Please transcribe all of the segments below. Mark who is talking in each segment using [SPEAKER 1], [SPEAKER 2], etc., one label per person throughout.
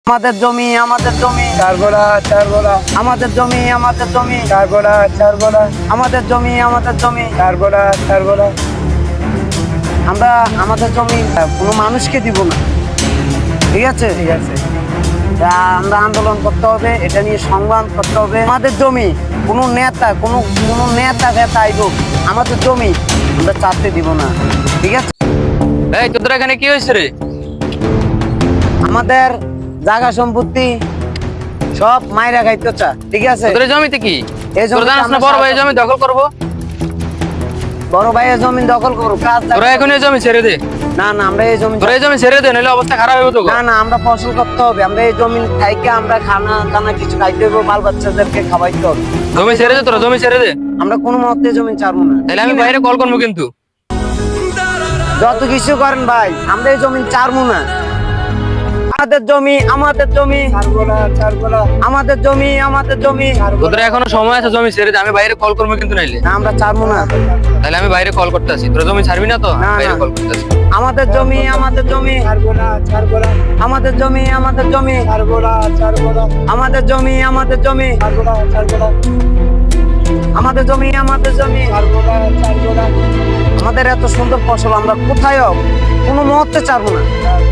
[SPEAKER 1] আমাদের জমি আমাদের জমি
[SPEAKER 2] চার গোড়া
[SPEAKER 1] আমাদের জমি আমাদের জমি
[SPEAKER 2] চার গোড়া
[SPEAKER 1] আমাদের জমি আমাদের জমি
[SPEAKER 2] চার গোড়া
[SPEAKER 1] আমরা আমাদের জমি কোনো মানুষকে দিব না, ঠিক আছে?
[SPEAKER 2] ঠিক আছে।
[SPEAKER 1] আমরা আন্দোলন করতে হবে, এটা নিয়ে সংগ্রাম করতে হবে। আমাদের জমি কোনো নেতা আইব, আমাদের জমি আমরা চাপতে দিব না, ঠিক আছে?
[SPEAKER 3] এই তোদের এখানে কি হয়েছে রে?
[SPEAKER 1] আমাদের জায়গা সম্পত্তি সব মাইরা খাইতে চা, ঠিক আছে?
[SPEAKER 3] তোদের জমিতে কি
[SPEAKER 1] এই
[SPEAKER 3] তোর জানাস না বড় ভাই জমি দখল করবো?
[SPEAKER 1] বড় ভাইয়ের জমি দখল করবো, কাজ
[SPEAKER 3] তোরা এখন এই জমি ছেড়ে দে।
[SPEAKER 1] না আমরা এই জমি
[SPEAKER 3] তোরা এই জমি ছেড়ে দে, নাহলে অবস্থা খারাপ হবে তো।
[SPEAKER 1] না আমরা ফসল করতে হবে, আমরা এই জমি খাইকে আমরা খানা কিছু খাইতে হবে, বাল বাচ্চাদেরকে খাওয়াইতে হবে।
[SPEAKER 3] জমি ছেড়ে দে, তোরা জমি ছেড়ে দে।
[SPEAKER 1] আমরা কোনো মতে জমি ছাড়বো না,
[SPEAKER 3] তাহলে আমি বাইরে কল করবো কিন্তু।
[SPEAKER 1] যত কিছু করেন ভাই, আমরা এই জমি ছাড়বো না। আমাদের জমি আমাদের জমি
[SPEAKER 2] চার গোড়া
[SPEAKER 1] আমাদের জমি আমাদের জমি।
[SPEAKER 3] তোদের এখনো সময় আছে, জমি ছেড়ে দে, আমি বাইরে কল করবো কিন্তু। নাইলে
[SPEAKER 1] না আমরা ছাড়বো না,
[SPEAKER 3] তাহলে আমি বাইরে কল করতে আসি। তোরা জমি ছাড়বি না তো?
[SPEAKER 1] না,
[SPEAKER 3] বাইরে
[SPEAKER 1] না।
[SPEAKER 3] কল করতে আসি।
[SPEAKER 1] আমাদের জমি আমাদের জমি
[SPEAKER 2] চার গোড়া
[SPEAKER 1] আমাদের জমি আমাদের জমি
[SPEAKER 2] চার গোড়া
[SPEAKER 1] আমাদের জমি আমাদের জমি
[SPEAKER 2] চার গোড়া
[SPEAKER 1] আমাদের জমি আমাদের জমি।
[SPEAKER 2] চার গোড়া
[SPEAKER 1] আমাদের এত সুন্দর ফসল আমরা কোথায়ও কোনো মুহূর্তে ছাড়বো না।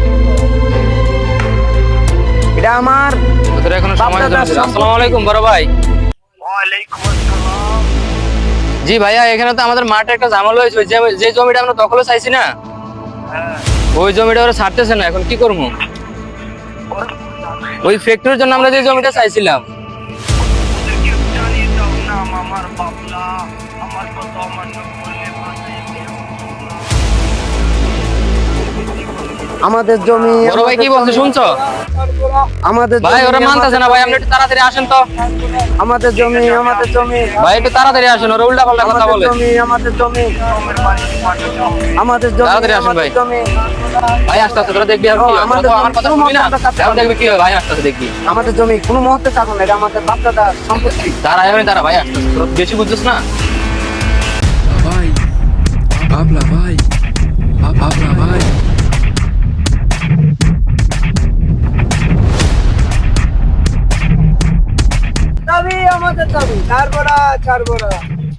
[SPEAKER 1] এটা আমার
[SPEAKER 3] তোদের এখনো সময় আছে।
[SPEAKER 1] বাপ দাদার
[SPEAKER 3] আসসালামু আলাইকুম বড় ভাই।
[SPEAKER 2] ওয়ালাইকুম আসসালাম।
[SPEAKER 3] জি ভাইয়া, এখানে তো আমাদের মাঠে একটা ঝামেলা হয়েছে। যে জমিটা আমরা দখলে চাইছি না, ওই জমিটা ওরা ছাড়তেছে না। এখন কি করবো? ওই ফ্যাক্টরির জন্য আমরা যে জমিটা চাইছিলাম।
[SPEAKER 2] ওদেরকে জানিয়ে দাও না আমার বাবলা আমার কথা অমান্য করলে
[SPEAKER 1] আমাদের জমি
[SPEAKER 3] বড় ভাই কি বলছে শুনছো?
[SPEAKER 1] আমাদের
[SPEAKER 3] ভাই
[SPEAKER 1] জমি,
[SPEAKER 3] ওরা মানতেছে না ভাই, আপনি একটু তাড়াতাড়ি আসেন তো।
[SPEAKER 1] আমাদের জমি আমাদের জমি
[SPEAKER 3] ভাই একটু তাড়াতাড়ি আসেন, ওরা উল্টা পাল্টা কথা
[SPEAKER 1] আমাদের
[SPEAKER 3] বলে।
[SPEAKER 1] জমি আমাদের জমি আমাদের জমি
[SPEAKER 3] তাড়াতাড়ি আসুন ভাই।
[SPEAKER 1] আমাদের জমি
[SPEAKER 3] ভাই আসতে আসতে তোরা দেখবি আর কি হয়।
[SPEAKER 1] আমাদের
[SPEAKER 3] আমার কথা শুনবি না? এখন দেখবি কি হয়। ভাই আসতে আসতে দেখবি।
[SPEAKER 1] আমাদের জমি কোনো মুহূর্তে ছাড়বো না, এটা আমাদের বাপ দাদা সম্পত্তি।
[SPEAKER 3] তারা এখন তারা ভাই আসতে আসতে, তোরা বেশি বুঝছিস না।
[SPEAKER 4] Vai, habla, vai, habla, vai.
[SPEAKER 1] দাবি আমাদের দাবি।
[SPEAKER 2] চার গোড়া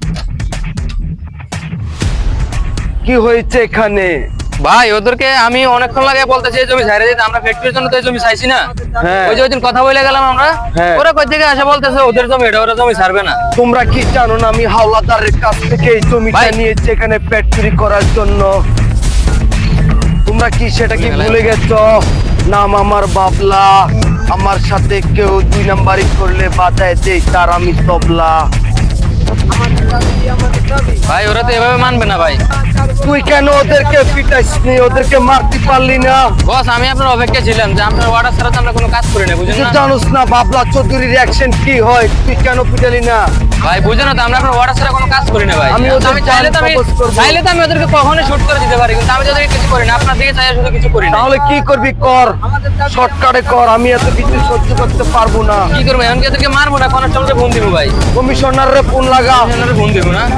[SPEAKER 1] কি হয়েছে এখানে?
[SPEAKER 3] ভাই ওদেরকে আমি অনেকক্ষণ লাগে বলতেছি এই জমি ছাইরে দিতে, আমরা ফ্যাক্টরির জন্য তো এই জমি চাইছি না।
[SPEAKER 1] হ্যাঁ।
[SPEAKER 3] ওই যে ওইদিন কথা বলে গেলাম আমরা,
[SPEAKER 1] হ্যাঁ।
[SPEAKER 3] ওরা কই থেকে আসে বলতেছে ওদের জমি, এটা ওরা জমি ছাড়বে না।
[SPEAKER 1] তোমরা কি জানো না আমি হাওলাদারের কাছ থেকে এই জমিটা
[SPEAKER 3] ভাই।
[SPEAKER 1] নিয়েছি এখানে ফ্যাক্টরি করার জন্য? তোমরা কি সেটা কি ভুলে গেছো? নাম আমার বাবলা, আমার সাথে কেউ দুই নাম্বারি করলে বাজায় দেই তার আমি তবলা।
[SPEAKER 3] ভাই ওরা তো এভাবে মানবে না ভাই।
[SPEAKER 1] তুই কেন ওদেরকে পিটাইসনি, ওদেরকে মারতে পারলি না?
[SPEAKER 3] বস আমি আপনার অপেক্ষা ছিলাম যে আপনার অর্ডার ছাড়া তো আমরা কোনো কাজ করি না, বুঝেন
[SPEAKER 1] তুই
[SPEAKER 3] না?
[SPEAKER 1] জানোস না বাবলা চৌধুরীর অ্যাকশন কি হয়? তুই কেন পিটালি না?
[SPEAKER 3] ভাই বুঝেন না তো, আমরা আপনার অর্ডার ছাড়া কোনো কাজ করি না ভাই।
[SPEAKER 1] আমি ওদের
[SPEAKER 3] আমি চাইলে তো আমি
[SPEAKER 1] propose করবো।
[SPEAKER 3] চাইলে তো আমি ওদেরকে কখনোই শুট করে দিতে পারি, কিন্তু আমি তো ওদেরকে কিছু করি না। আপনার দিকে চাই শুধু কিছু করি না।
[SPEAKER 1] তাহলে কি করবি কর, শর্টকাটে কর, আমি এত কিছু সহ্য করতে পারবো না।
[SPEAKER 3] কি করবো এখন? কি ওদেরকে মারবো না, কনস্টেবলকে ফোন দিব ভাই?
[SPEAKER 1] কমিশনার রে ফোন লাগা।
[SPEAKER 3] কমিশনারে ফোন দিব না?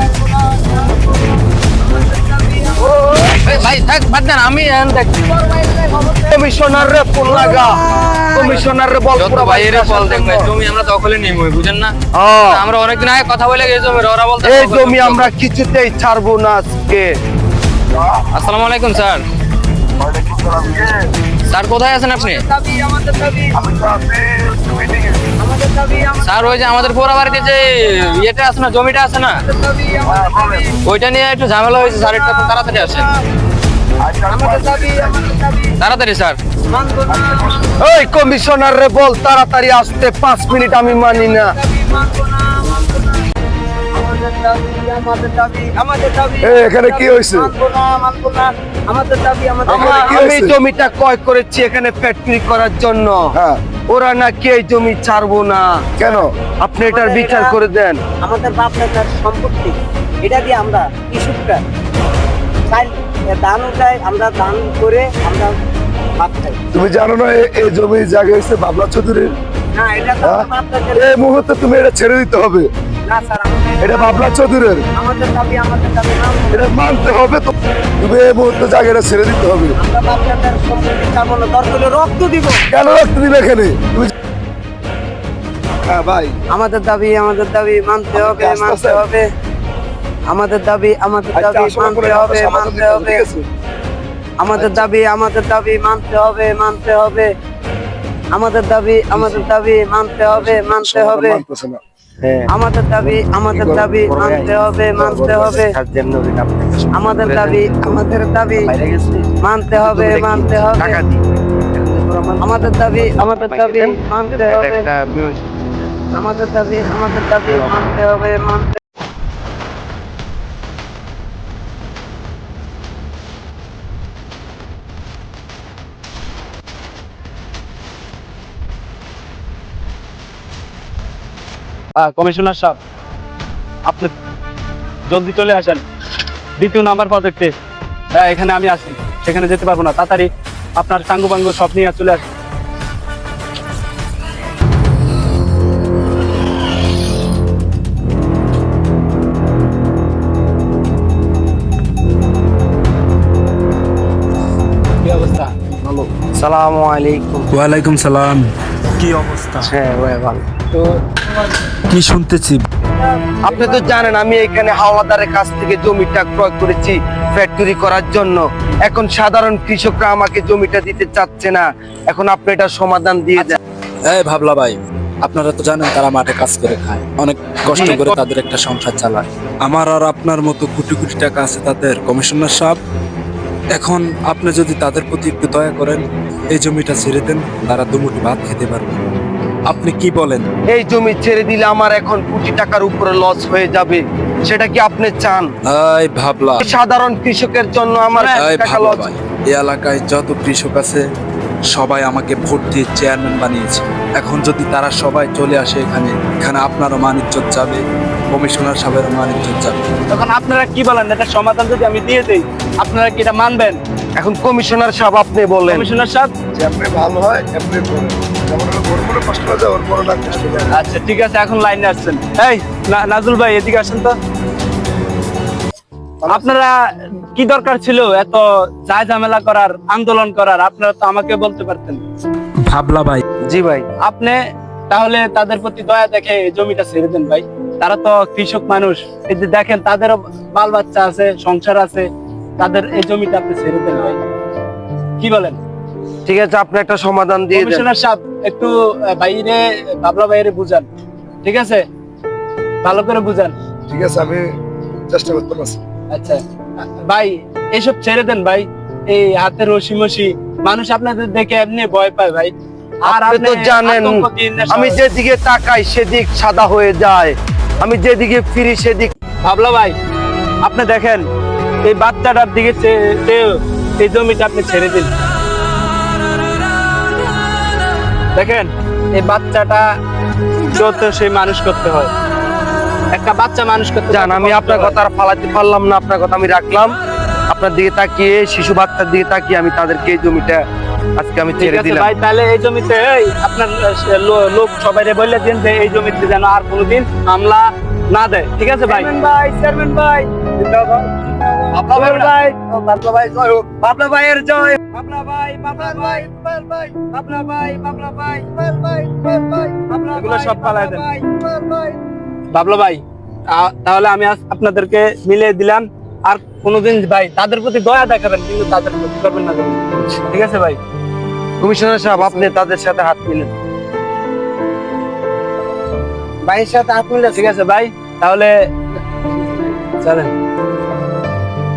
[SPEAKER 3] এই ভাই থাক বাদ দেন, আমি এখন দেখছি।
[SPEAKER 1] কমিশনার রে ফোন লাগা, কমিশনার রে বল
[SPEAKER 3] যত
[SPEAKER 1] পুরো
[SPEAKER 3] বাইরে
[SPEAKER 1] বাইরে
[SPEAKER 3] বল দেখবে জমি আমরা দখলে নিব, বুঝেন না?
[SPEAKER 1] হ্যাঁ।
[SPEAKER 3] আমরা অনেকদিন আগে কথা বলে গেছি জমির, ওরা বলতে
[SPEAKER 1] এই জমি আমরা কিছুতেই ছাড়বো না আজকে।
[SPEAKER 3] আসসালামু আলাইকুম স্যার। স্যার কোথায় আছেন আপনি? স্যার ওই যে আমাদের পোড়া বাড়িতে যে ইয়েটা আছে না, জমিটা আছে না, ওইটা নিয়ে একটু ঝামেলা হয়েছে স্যার, একটু তাড়াতাড়ি আসেন। তাড়াতাড়ি স্যার।
[SPEAKER 1] এই কমিশনার রে বল তাড়াতাড়ি আসতে, 5 মিনিট আমি মানি না।
[SPEAKER 2] এখানে কি হয়েছে?
[SPEAKER 1] আমি জমিটা ক্রয় করেছি এখানে ফ্যাক্টরি করার জন্য।
[SPEAKER 2] হ্যাঁ।
[SPEAKER 1] ওরা নাকি এই জমি ছাড়বো না।
[SPEAKER 2] কেন?
[SPEAKER 1] আপনি এটার বিচার করে দেন।
[SPEAKER 5] আমাদের বাপ দাদার সম্পত্তি, এটা দিয়ে আমরা কৃষকরা ধান উঠাই, আমরা ধান করে আমরা ভাত খাই।
[SPEAKER 2] তুমি জানো না এই জমি জায়গা হয়েছে বাবলা চৌধুরীর?
[SPEAKER 5] না এটা তো
[SPEAKER 2] হ্যাঁ?
[SPEAKER 5] বাপ দাদার
[SPEAKER 2] এই মুহূর্তে তুমি এটা ছেড়ে দিতে হবে।
[SPEAKER 5] না স্যার, আমাদের
[SPEAKER 1] এটা বাবলা চৌধুরীর।
[SPEAKER 5] আমাদের দাবি নাম
[SPEAKER 1] এটা মানতে হবে তো। তুমি এই মুহূর্তে জায়গাটা ছেড়ে দিতে হবে।
[SPEAKER 5] আমরা বাচ্চাদের সম্পত্তি চাবো না, দরকার হলে রক্ত দিব।
[SPEAKER 1] কেন রাখতে দিবে এখানে? হ্যাঁ ভাই,
[SPEAKER 5] আমাদের দাবি মানতে হবে,
[SPEAKER 1] আস্তে
[SPEAKER 5] মানতে
[SPEAKER 1] আস্তে।
[SPEAKER 5] হবে। আমাদের দাবি মানতে হবে, মানতে হবে। আমাদের দাবি মানতে হবে, মানতে হবে। আমাদের দাবি মানতে হবে, মানতে হবে। আমাদের দাবি মানতে হবে, মানতে হবে। আমাদের দাবি মানতে হবে, মানতে হবে। আমাদের দাবি মানতে হবে। আমাদের দাবি মানতে হবে, মানতে।
[SPEAKER 6] কমিশনার সাহেব, আপনি জলদি চলে আসেন। দ্বিতীয় নাম্বার প্রজেক্টে এখানে আমি আছি, সেখানে যেতে পারবো না। তাড়াতাড়ি আপনার টাঙ্গু বাঙ্গু সব নিয়ে চলে আসেন। কি অবস্থা?
[SPEAKER 5] সালামু আলাইকুম।
[SPEAKER 4] ওয়ালাইকুম সালাম। কি অবস্থা?
[SPEAKER 5] হ্যাঁ ভাই ভালো।
[SPEAKER 6] তো
[SPEAKER 4] কি শুনতেছি?
[SPEAKER 1] আপনি তো জানেন আমি এখানে হাওলাদারের কাছ থেকে জমিটা ক্রয় করেছি ফ্যাক্টরি করার জন্য। এখন সাধারণ কৃষকরা আমাকে জমিটা দিতে চাচ্ছে না। এখন আপনি এটা সমাধান দিয়ে দেন।
[SPEAKER 4] এই ভাবলা ভাই, আপনারা তো জানেন তারা মাঠে কাজ করে খায়, অনেক কষ্ট করে তাদের একটা সংসার চালায়। আমার আর আপনার মতো কোটি কোটি টাকা আছে তাদের, কমিশনার সাহেব। এখন আপনি যদি তাদের প্রতি একটু দয়া করেন, এই জমিটা ছেড়ে দেন, তারা দুমুঠো ভাত খেতে পারবে। আপনি কি বলেন?
[SPEAKER 1] এই জমি ছেড়ে দিলে আমার এখন কোটি টাকার উপরে লস হয়ে যাবে। সেটা কি আপনি চান?
[SPEAKER 4] এই ভাবলা,
[SPEAKER 1] সাধারণ কৃষকের জন্য আমার
[SPEAKER 4] এই
[SPEAKER 1] টাকা
[SPEAKER 4] ভাবলা
[SPEAKER 1] লস।
[SPEAKER 4] ভাই, এই এলাকায় যত কৃষক আছে সবাই আমাকে ভোট দিয়ে চেয়ারম্যান বানিয়েছে। এখন যদি তারা সবাই চলে আসে এখানে, এখানে আপনারও মান ইজ্জত যাবে, কমিশনার সাহেবেরও মান ইজ্জত যাবে।
[SPEAKER 6] তখন আপনারা কি বলেন? এটা সমাধান যদি আমি দিয়ে দেই, আপনারা কি এটা মানবেন?
[SPEAKER 1] এখন কমিশনার সাহেব আপনি বলেন।
[SPEAKER 6] কমিশনার সাহেব,
[SPEAKER 1] আপনি ভালো হয় আপনি বলেন। কষ্ট না যায় ওর বড় না কষ্ট যায়।
[SPEAKER 6] আচ্ছা ঠিক আছে, এখন লাইনে আসছেন। এই নাজুল ভাই, এদিকে আসেন তো। আপনারা কি দরকার ছিল এত চাই ঝামেলা করার, আন্দোলন করার? আপনারা তো আমাকে বলতে পারতেন।
[SPEAKER 4] ভাবলা ভাই,
[SPEAKER 1] জি ভাই।
[SPEAKER 6] আপনি তাহলে তাদের প্রতি দয়া দেখে এই জমিটা ছেড়ে দেন ভাই। তারা তো কৃষক মানুষ, এই যে দেখেন তাদেরও বাল বাচ্চা আছে, সংসার আছে, তাদের এই জমিটা আপনি ছেড়ে দেন ভাই। কি বলেন?
[SPEAKER 1] ঠিক আছে, আপনি একটা সমাধান দিয়ে দেন।
[SPEAKER 6] কমিশনার সাহেব, একটু বাইরে বাবলা বাইরে বুঝান, ঠিক আছে? ভালো করে বুঝান।
[SPEAKER 1] ঠিক আছে, আমি চেষ্টা করতে পারছি।
[SPEAKER 6] আচ্ছা ভাই, এসব ছেড়ে দেন ভাই। এই হাতের রশি মশি মানুষ আপনাদের দেখে এমনি ভয় পায় ভাই। আর
[SPEAKER 1] আপনি তো জানেন
[SPEAKER 6] আতঙ্ক দিন না
[SPEAKER 1] আমি
[SPEAKER 6] সবাই।
[SPEAKER 1] যেদিকে তাকাই সেদিক সাদা হয়ে যায়, আমি যেদিকে ফিরি সেদিক।
[SPEAKER 6] ভাবলা ভাই, আপনি দেখেন এই বাচ্চাটার দিকে চেয়ে এই জমিটা আপনি ছেড়ে দিন। দেখেন এই বাচ্চাটা যত সেই মানুষ করতে হয়, একটা বাচ্চা মানুষ করতে
[SPEAKER 1] জান, আমি আপনার কথা আর ফালাতে পারলাম না। আপনার কথা আমি রাখলাম। আপনার দিকে তাকিয়ে, শিশু বাচ্চার দিকে তাকিয়ে আমি তাদেরকে এই জমিটা আজকে আমি
[SPEAKER 6] ঠিক
[SPEAKER 1] ছেড়ে
[SPEAKER 6] আছে
[SPEAKER 1] দিলাম।
[SPEAKER 6] ভাই, তাহলে এই জমিতে আপনার লোক সবাই বলে দিন যে এই জমিতে যেন আর কোনোদিন হামলা না দেয়। ঠিক আছে ভাই? চেয়ারম্যান ভাই,
[SPEAKER 1] বাবলা ভাই,
[SPEAKER 6] বাবলা ভাই জয় হোক।
[SPEAKER 1] বাবলা ভাইয়ের জয়।
[SPEAKER 6] বাবলা ভাই, বাবলা ভাই, বাবলা ভাই, বাবলা ভাই, এগুলো সব পালায় দেন। বাবলা ভাই, তাহলে আমি আজ আপনাদেরকে মিলিয়ে দিলাম। আর কোনোদিন ভাই তাদের প্রতি দয়া দেখাবেন, কিন্তু তাদের প্রতি করবেন না। ঠিক আছে ভাই?
[SPEAKER 1] কমিশনার সাহেব, আপনি তাদের সাথে হাত মিলেন।
[SPEAKER 5] ভাইয়ের সাথে হাত মিলে
[SPEAKER 6] ঠিক আছে ভাই, তাহলে চলেন।